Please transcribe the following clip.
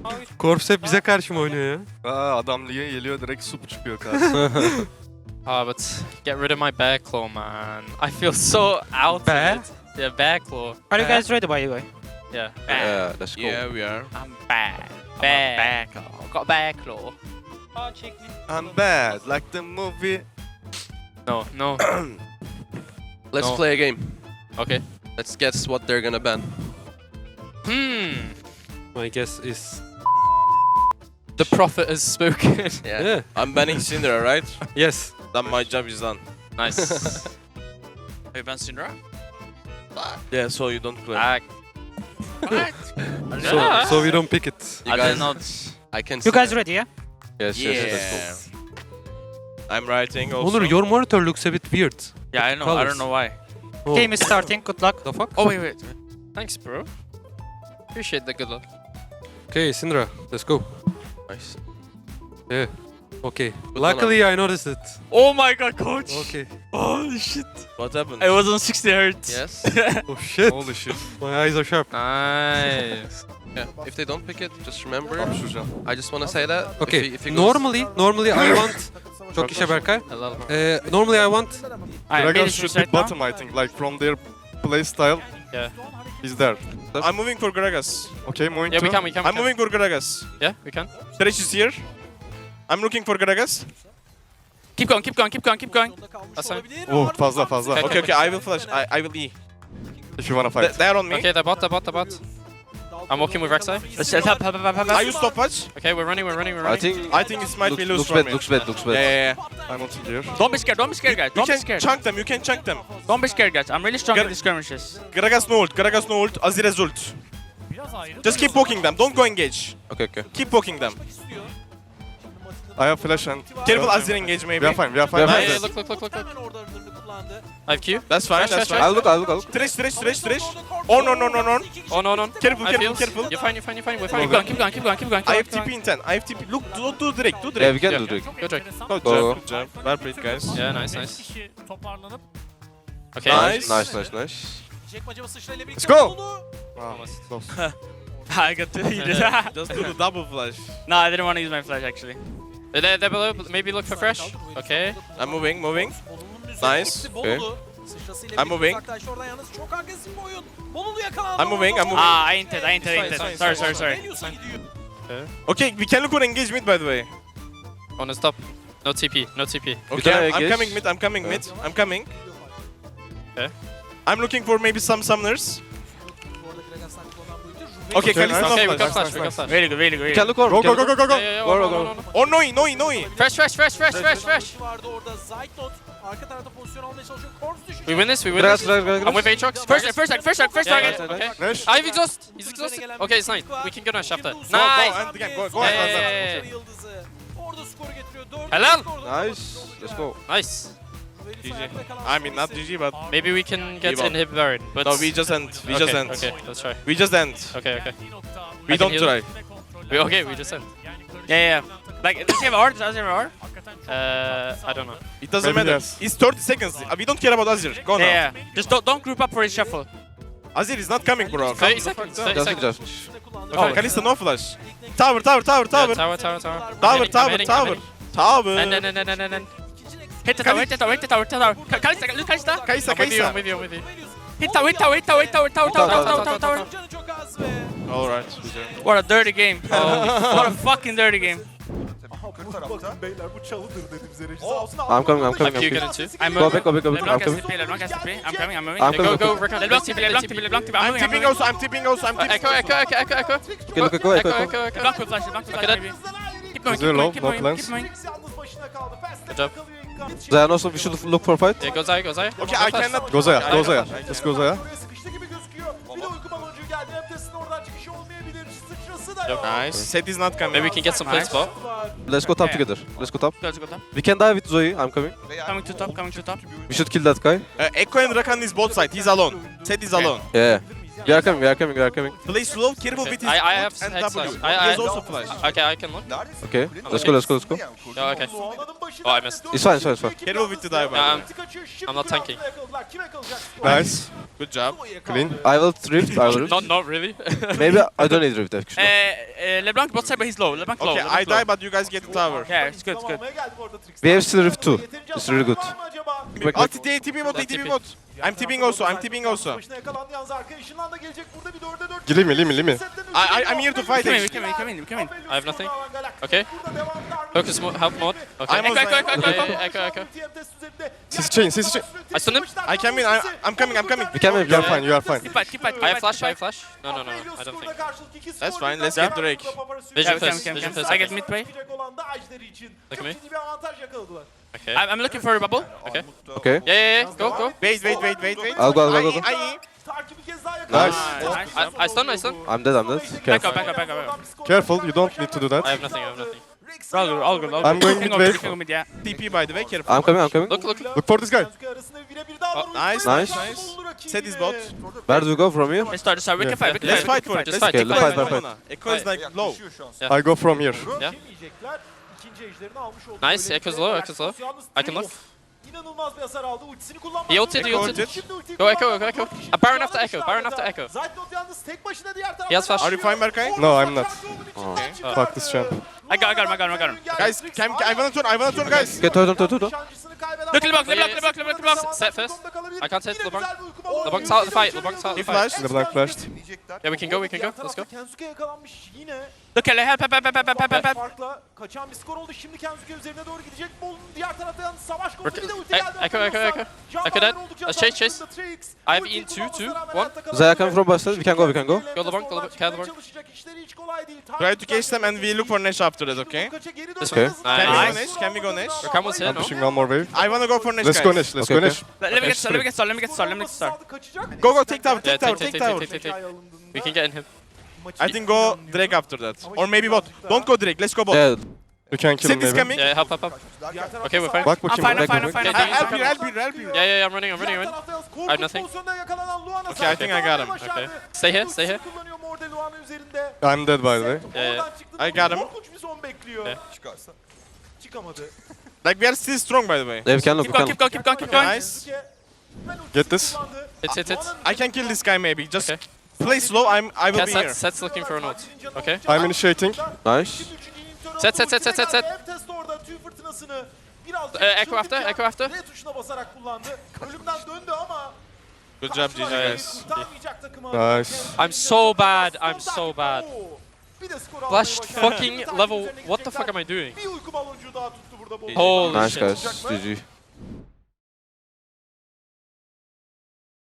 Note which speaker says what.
Speaker 1: Corps hep bize karşı mı oynuyor ya?
Speaker 2: Adam lige geliyor direkt sup çıkıyor karşısına.
Speaker 3: But get rid of my bear claw, man. I feel so out
Speaker 1: Bear?
Speaker 3: of it. Yeah, bear claw.
Speaker 4: Are you guys ready, by the way?
Speaker 3: Yeah.
Speaker 5: Yeah, let's go.
Speaker 6: Yeah, we are.
Speaker 3: I'm bear. Bear claw. Got bear claw.
Speaker 2: I'm bad, like the movie.
Speaker 3: No, no.
Speaker 5: Let's
Speaker 3: No.
Speaker 5: play a game.
Speaker 3: Okay.
Speaker 5: Let's guess what they're gonna ban.
Speaker 1: My guess is...
Speaker 3: The prophet has spoken.
Speaker 5: Yeah.
Speaker 1: Yeah.
Speaker 6: I'm banning Syndra, right?
Speaker 1: Yes.
Speaker 6: Then my job is done.
Speaker 3: Nice.
Speaker 6: Have you banned Syndra? Yeah, so you don't play.
Speaker 1: So we don't pick it.
Speaker 5: You
Speaker 6: I
Speaker 5: guys,
Speaker 6: did not.
Speaker 5: I can see
Speaker 4: You guys
Speaker 5: that.
Speaker 4: ready, yeah?
Speaker 5: Yes,
Speaker 6: Yeah.
Speaker 5: yes, let's go.
Speaker 6: I'm writing also.
Speaker 1: Onur, your monitor looks a bit weird.
Speaker 6: Yeah, I know. I
Speaker 1: Colors.
Speaker 6: don't know why.
Speaker 1: Oh,
Speaker 4: Game is starting. Good luck.
Speaker 1: the fuck?
Speaker 6: Oh, wait.
Speaker 3: Thanks, bro. Appreciate the good luck.
Speaker 1: Okay, Syndra, let's go.
Speaker 5: Nice.
Speaker 1: Yeah. Okay.
Speaker 5: Good
Speaker 1: Luckily, I noticed it.
Speaker 6: Oh my god, coach.
Speaker 1: Okay.
Speaker 6: Holy shit. What happened?
Speaker 7: It was on 60 hertz.
Speaker 5: Yes.
Speaker 1: Oh shit.
Speaker 2: Holy shit.
Speaker 1: My eyes are sharp.
Speaker 3: Nice.
Speaker 5: Yeah. If they don't pick it, just remember.
Speaker 2: Hapşuracağım.
Speaker 5: I just wanna say that.
Speaker 1: Okay.
Speaker 5: If he goes-
Speaker 1: Normally I want... Çok işe Berkay.
Speaker 3: Hello.
Speaker 1: Normally I want...
Speaker 2: Gragas should be bottom, I think, like from their play style.
Speaker 3: Yeah.
Speaker 2: He's there.
Speaker 6: I'm moving for Gragas.
Speaker 2: Okay, moving
Speaker 3: Yeah,
Speaker 2: to...
Speaker 3: we can.
Speaker 6: I'm moving for Gragas.
Speaker 3: Yeah, we can.
Speaker 6: Thresh is here. I'm looking for Gragas.
Speaker 7: Keep going.
Speaker 3: That's fine.
Speaker 2: Oh, fazla.
Speaker 3: Okay.
Speaker 6: Okay, I will flash. I will E.
Speaker 2: If you wanna fight.
Speaker 6: They're on me.
Speaker 3: Okay, the bot. I'm walking with Rek'Sai.
Speaker 6: Are you stopwatch?
Speaker 3: Okay, we're running.
Speaker 6: I think it might be lose
Speaker 5: looks
Speaker 6: for
Speaker 5: bad,
Speaker 6: me.
Speaker 5: looks bad, looks bad.
Speaker 6: Yeah.
Speaker 2: I'm not here.
Speaker 7: Don't be scared, guys.
Speaker 6: You can chunk them. You can chunk them.
Speaker 7: Don't be scared, guys. I'm really strong in these skirmishes.
Speaker 6: Gragas no ult. Azir's ult. Just keep poking them. Don't go engage.
Speaker 5: Okay, okay.
Speaker 6: Keep poking them.
Speaker 2: I have flash and...
Speaker 6: Careful Azir engage maybe.
Speaker 2: We are fine.
Speaker 5: We are
Speaker 3: Hey,
Speaker 5: fine.
Speaker 3: hey, look. I have Q.
Speaker 6: That's fine. That's fine.
Speaker 5: I'll look.
Speaker 6: Thresh. Oh no.
Speaker 3: Oh, no.
Speaker 6: Careful,
Speaker 3: I
Speaker 6: careful,
Speaker 3: feels.
Speaker 6: careful.
Speaker 3: You're fine. We're fine.
Speaker 7: Keep going.
Speaker 6: I have TP in 10. I have TP. Look, do Drake.
Speaker 5: Yeah, we can
Speaker 3: Yeah.
Speaker 5: do Drake.
Speaker 3: Go Drake.
Speaker 6: Good job. Well played, guys.
Speaker 3: Yeah, nice. Okay.
Speaker 6: Nice.
Speaker 5: Nice.
Speaker 2: Let's go! Wow, close.
Speaker 7: I got to eat it.
Speaker 6: Just do the double flash.
Speaker 7: No, I didn't want to use my flash actually.
Speaker 3: They're below. Maybe look for fresh. Okay.
Speaker 6: I'm moving. Nice.
Speaker 5: Okay.
Speaker 6: I'm moving. I'm moving.
Speaker 7: Ah, I entered.
Speaker 3: Fine.
Speaker 7: Sorry.
Speaker 6: Okay, we can look for engagement by the way.
Speaker 3: On the stop. No TP.
Speaker 6: Okay,
Speaker 5: can
Speaker 6: I'm
Speaker 5: engage.
Speaker 6: coming mid. I'm coming.
Speaker 3: Okay.
Speaker 6: I'm looking for maybe some summoners. Okay,
Speaker 2: Okay,
Speaker 6: Kalista
Speaker 2: nice.
Speaker 3: Okay,
Speaker 6: no
Speaker 3: we got
Speaker 6: flash.
Speaker 3: flash.
Speaker 7: Really good.
Speaker 5: We can look over.
Speaker 2: Go.
Speaker 3: Yeah.
Speaker 5: Go.
Speaker 6: Oh, Noi.
Speaker 3: Fresh. We win this.
Speaker 5: Gragas.
Speaker 3: I'm with Aatrox.
Speaker 7: First target.
Speaker 3: Okay.
Speaker 2: Neş?
Speaker 3: I have exhaust. He's exhausted. Okay, it's nice. We can go now after.
Speaker 6: Go,
Speaker 3: Nice.
Speaker 6: and again, go.
Speaker 3: Yeah. Hello.
Speaker 5: Nice. Let's go.
Speaker 3: Nice.
Speaker 6: GG. I mean, not GG, but
Speaker 3: Maybe we can get
Speaker 6: Give up.
Speaker 3: inhib Baron. But
Speaker 6: no, we just end.
Speaker 3: Okay, let's try.
Speaker 6: We just end.
Speaker 3: Okay.
Speaker 6: We
Speaker 3: I can
Speaker 6: don't
Speaker 3: heal.
Speaker 6: try.
Speaker 3: We just end.
Speaker 7: Yeah. Like, does he have art?
Speaker 3: I don't know.
Speaker 6: It doesn't
Speaker 2: Maybe
Speaker 6: matter.
Speaker 2: yes.
Speaker 6: It's 30 seconds. We don't care about Azir. Go now.
Speaker 7: Yeah. Just don't group up for his shuffle.
Speaker 6: Azir is not coming, bro.
Speaker 3: 30 seconds. 30
Speaker 5: Just
Speaker 3: seconds.
Speaker 6: Oh, Kalista no flash. Tower.
Speaker 3: Yeah, tower.
Speaker 6: Tower.
Speaker 3: And.
Speaker 7: Hit the tower. Kalista.
Speaker 6: Kaysa.
Speaker 3: I'm with you.
Speaker 7: Hit tower.
Speaker 6: Alright.
Speaker 7: What a dirty game. What a fucking dirty game.
Speaker 5: I'm coming.
Speaker 3: I'm Q getting two.
Speaker 5: Go back. I'm
Speaker 7: LeBlanc has
Speaker 5: coming.
Speaker 7: TP. I'm coming.
Speaker 5: I'm
Speaker 3: Okay,
Speaker 5: coming.
Speaker 3: go, Rick.
Speaker 7: LeBlanc TP.
Speaker 6: I'm tipping also. I'm tipping.
Speaker 3: Echo.
Speaker 5: Okay, look.
Speaker 7: LeBlanc will flash maybe. Keep going.
Speaker 2: Zero, no plans.
Speaker 3: Good job.
Speaker 5: Then also we should look for fight.
Speaker 3: Yeah, go Zaya.
Speaker 6: Okay, I cannot.
Speaker 2: Go Zaya. Let's go Zaya.
Speaker 6: Nice. Set is not coming.
Speaker 3: Maybe we can get some play spot.
Speaker 5: Let's go top together. Let's go top.
Speaker 7: Let's go top.
Speaker 5: We can die with Zoe. I'm coming.
Speaker 7: Coming to top.
Speaker 5: We should kill that guy.
Speaker 6: Echo and Rakan is both side. He's alone. Set is alone.
Speaker 5: Yeah. We are coming, we are coming, we are coming.
Speaker 6: Play slow, careful
Speaker 3: Okay.
Speaker 6: with his
Speaker 3: I
Speaker 6: ult
Speaker 3: have
Speaker 6: and
Speaker 3: hex
Speaker 6: W.
Speaker 3: slash.
Speaker 6: He has also flash.
Speaker 3: Okay, I can look.
Speaker 5: Okay, let's go, let's go, let's go.
Speaker 3: Yeah, okay. Oh, I missed.
Speaker 5: It's fine, it's fine, it's fine.
Speaker 6: Careful with the dive, by the way.
Speaker 3: I'm not tanking.
Speaker 2: Nice.
Speaker 6: Good job.
Speaker 2: Clean.
Speaker 5: I will rift, I will rift.
Speaker 3: Not really.
Speaker 5: Maybe I don't need rift actually.
Speaker 7: LeBlanc bot side, but he's low. LeBlanc low.
Speaker 6: Okay,
Speaker 7: LeBlanc
Speaker 6: I
Speaker 7: low.
Speaker 6: die, but you guys get the tower.
Speaker 7: Yeah, it's good, it's good.
Speaker 5: We have still rift too. It's really good. Quick,
Speaker 6: Oh,
Speaker 5: quick.
Speaker 6: TP bot,
Speaker 3: Yeah,
Speaker 6: TP
Speaker 3: TP.
Speaker 6: bot. I'm TPing also, I'm TPing also.
Speaker 2: Leave me, leave me, leave me.
Speaker 6: I'm here to fight
Speaker 7: We
Speaker 6: actually.
Speaker 7: come in.
Speaker 3: I have nothing. Okay. Focus help mode. Okay.
Speaker 6: I'm
Speaker 7: Echo,
Speaker 6: also-
Speaker 7: echo, echo, echo.
Speaker 3: Echo.
Speaker 2: CC chain, CC chain.
Speaker 3: I stunned him.
Speaker 6: I come in, I'm coming.
Speaker 5: We can win,
Speaker 2: You are fine, you are fine.
Speaker 7: Keep fight.
Speaker 3: I have flash. I don't think.
Speaker 6: That's fine, let's get Drake.
Speaker 3: Vision
Speaker 7: Yeah,
Speaker 3: first.
Speaker 7: come.
Speaker 3: Vision first.
Speaker 7: I get mid play.
Speaker 3: Look at me. Okay.
Speaker 7: I'm looking for a bubble.
Speaker 3: Okay.
Speaker 5: Okay.
Speaker 3: Yeah. Go.
Speaker 6: Wait.
Speaker 5: I'll go, I'll go.
Speaker 2: Nice.
Speaker 3: I stun.
Speaker 5: I'm dead, I'm dead.
Speaker 7: Back
Speaker 5: Careful.
Speaker 7: up.
Speaker 2: Careful, you don't need to do
Speaker 3: I
Speaker 2: that.
Speaker 3: have nothing.
Speaker 7: All good.
Speaker 2: I'm going
Speaker 7: We
Speaker 2: mid
Speaker 7: can
Speaker 2: wave.
Speaker 7: go mid, yeah.
Speaker 6: TP by the way, careful.
Speaker 5: I'm coming.
Speaker 3: Look.
Speaker 2: Look for this guy.
Speaker 6: Nice.
Speaker 5: Nice.
Speaker 6: Set his bot.
Speaker 5: Where do we go from here?
Speaker 7: Let's start. We can fight.
Speaker 6: Let's fight for it.
Speaker 3: Just
Speaker 6: Let's
Speaker 3: fight.
Speaker 6: take
Speaker 3: Okay,
Speaker 5: let's
Speaker 6: Echo
Speaker 5: fight,
Speaker 6: Lona. Echo is like low.
Speaker 2: I go from here.
Speaker 3: Yeah. Nice. Echo's low. I can look.
Speaker 8: İnanılmaz bir hasar aldı. Ultisini kullanmadı.
Speaker 3: He ulted.
Speaker 8: Şimdi ultiyi
Speaker 3: Go Echo.
Speaker 8: kullanmadı.
Speaker 3: A Baron after Echo.
Speaker 8: Zaytnot yalnız tek başına diğer taraftan.
Speaker 3: He has flash.
Speaker 6: Are you fine, Berkay?
Speaker 2: No, I'm not. Fuck this champ.
Speaker 7: I got him.
Speaker 6: Guys, I wanna turn, guys.
Speaker 5: Okay, turn.
Speaker 7: Look, LeBlanc.
Speaker 3: Set first. I can't hit LeBlanc. LeBlanc's out of the fight.
Speaker 6: He flashed.
Speaker 2: LeBlanc flashed.
Speaker 3: Yeah, we can go. Let's go.
Speaker 8: Kensuke yakalanmış yine.
Speaker 7: Look, help.
Speaker 8: Farkla kaçan bir skor oldu. Şimdi Kensuke üzerine doğru gidecek. Bol'un diğer taraftan savaş konusu bir de ulti geldi.
Speaker 3: Echo. Echo dead. Chase. I have in 2, 1.
Speaker 5: Zaya coming from Boston. We can go.
Speaker 3: Go LeBlanc. Kill LeBlanc.
Speaker 6: Try to catch them and we look for Nesh after that, okay?
Speaker 5: Okay.
Speaker 6: Can we go Nesh?
Speaker 3: Rakan here,
Speaker 2: I'm
Speaker 3: no?
Speaker 2: pushing one more wave.
Speaker 6: I wanna go for Nesh,
Speaker 2: Let's
Speaker 6: guys.
Speaker 2: go Nesh, let's
Speaker 5: Okay,
Speaker 2: go
Speaker 5: okay.
Speaker 2: Nesh.
Speaker 7: Let me get start.
Speaker 6: Go, take tower,
Speaker 3: Yeah,
Speaker 6: take tower.
Speaker 3: take. We can get in him.
Speaker 6: I think go Drake after that. Or maybe bot. Don't go Drake, let's go bot.
Speaker 5: Yeah,
Speaker 2: You can kill him
Speaker 6: Set is
Speaker 2: maybe.
Speaker 6: coming.
Speaker 3: Yeah, help. Okay, we're fine.
Speaker 2: Bak
Speaker 7: I'm
Speaker 2: bakayım.
Speaker 7: fine.
Speaker 6: Help you.
Speaker 3: Yeah, I'm running.
Speaker 8: I
Speaker 3: have nothing.
Speaker 6: Okay, I think I got him.
Speaker 3: Okay. Stay here.
Speaker 2: I'm dead by the way.
Speaker 3: Yeah.
Speaker 6: I got him.
Speaker 8: Korkunç bir son bekliyor.
Speaker 3: Yeah.
Speaker 8: Çıkamadı.
Speaker 6: Like we are still strong by the way.
Speaker 5: we can look.
Speaker 7: Keep going.
Speaker 6: Nice.
Speaker 2: Get this.
Speaker 3: Hit.
Speaker 6: I can kill this guy maybe. Just
Speaker 3: Okay.
Speaker 6: play slow. I will
Speaker 3: Yeah,
Speaker 6: be here.
Speaker 3: Set's looking for an ult. Okay.
Speaker 2: I'm initiating.
Speaker 5: Nice.
Speaker 3: Set.
Speaker 8: Test orada tüy fırtınasını biraz
Speaker 3: Echo after.
Speaker 8: R tuşuna basarak kullandı. Ölümden döndü ama
Speaker 6: Good job, GG guys.
Speaker 8: kurtarmayacak takımı.
Speaker 2: Nice.
Speaker 3: I'm so bad.
Speaker 8: Bir de skor almayı
Speaker 3: Flashed
Speaker 8: başardı.
Speaker 3: fucking level. What the fuck am I doing?
Speaker 8: Bir uyku baloncuğu daha tuttu burada.
Speaker 3: Holy
Speaker 5: Nice
Speaker 3: shit.
Speaker 5: guys. GG.